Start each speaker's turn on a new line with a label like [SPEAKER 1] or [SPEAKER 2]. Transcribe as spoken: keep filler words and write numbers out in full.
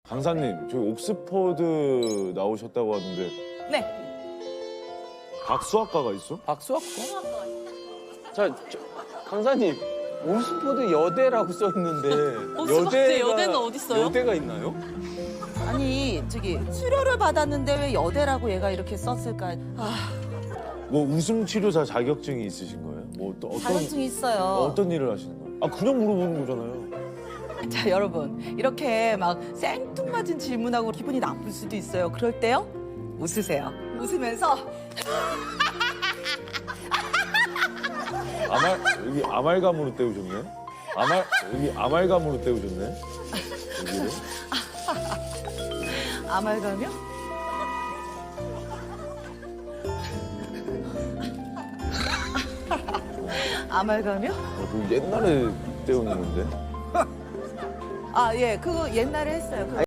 [SPEAKER 1] 강사님, 저희 옥스퍼드 나오셨다고 하는데
[SPEAKER 2] 네.
[SPEAKER 1] 박수학과가 있어?
[SPEAKER 3] 박수학과? 자, 저, 강사님, 옥스퍼드 여대라고 써 있는데
[SPEAKER 2] 옥스퍼드 여대는 어딨어요?
[SPEAKER 3] 여대가 있나요?
[SPEAKER 2] 아니 저기 수료를 받았는데 왜 여대라고 얘가 이렇게 썼을까? 아,
[SPEAKER 1] 뭐 웃음 치료사 자격증이 있으신 거예요? 뭐 또 어떤
[SPEAKER 2] 자격증이 있어요.
[SPEAKER 1] 어떤 일을 하시는 거예요? 아 그냥 물어보는 거잖아요.
[SPEAKER 2] 자 여러분 이렇게 막 생뚱맞은 질문하고 기분이 나쁠 수도 있어요. 그럴 때요 웃으세요. 웃으면서
[SPEAKER 1] 아말 여기 아말감으로 때우셨네. 아말 여기 아말감으로 때우셨네. 여기를.
[SPEAKER 2] 아말감이요? 아말감이요?
[SPEAKER 1] 어, 그 옛날에 때우는 건데.
[SPEAKER 2] 아 예, 그거 옛날에 했어요. 그거.